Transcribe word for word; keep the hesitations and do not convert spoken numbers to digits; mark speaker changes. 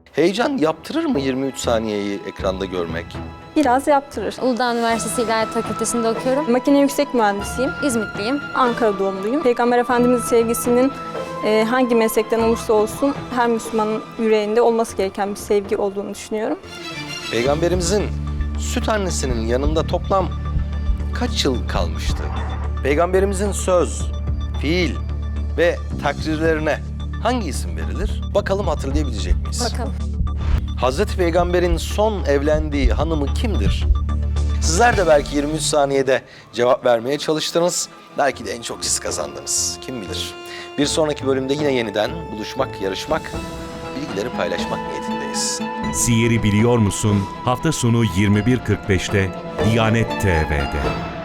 Speaker 1: Heyecan yaptırır mı yirmi üç saniyeyi ekranda görmek?
Speaker 2: Biraz yaptırır.
Speaker 3: Uludağ Üniversitesi İlahiyat Fakültesi'nde okuyorum.
Speaker 2: Makine yüksek mühendisiyim.
Speaker 3: İzmitliyim.
Speaker 2: Ankara doğumluyum. Peygamber Efendimiz'in sevgisinin e, hangi meslekten olursa olsun her Müslümanın yüreğinde olması gereken bir sevgi olduğunu düşünüyorum.
Speaker 1: Peygamberimizin süt annesinin yanında toplam kaç yıl kalmıştı? Peygamberimizin söz, fiil ve takrirlerine hangi isim verilir? Bakalım hatırlayabilecek miyiz?
Speaker 3: Bakalım.
Speaker 1: Hazreti Peygamber'in son evlendiği hanımı kimdir? Sizler de belki yirmi üç saniyede cevap vermeye çalıştınız. Belki de en çok siz kazandınız. Kim bilir? Bir sonraki bölümde yine yeniden buluşmak, yarışmak, bilgileri paylaşmak niyetindeyiz.
Speaker 4: Siyer'i biliyor musun? Hafta sonu yirmi bir kırk beşte Diyanet T V'de.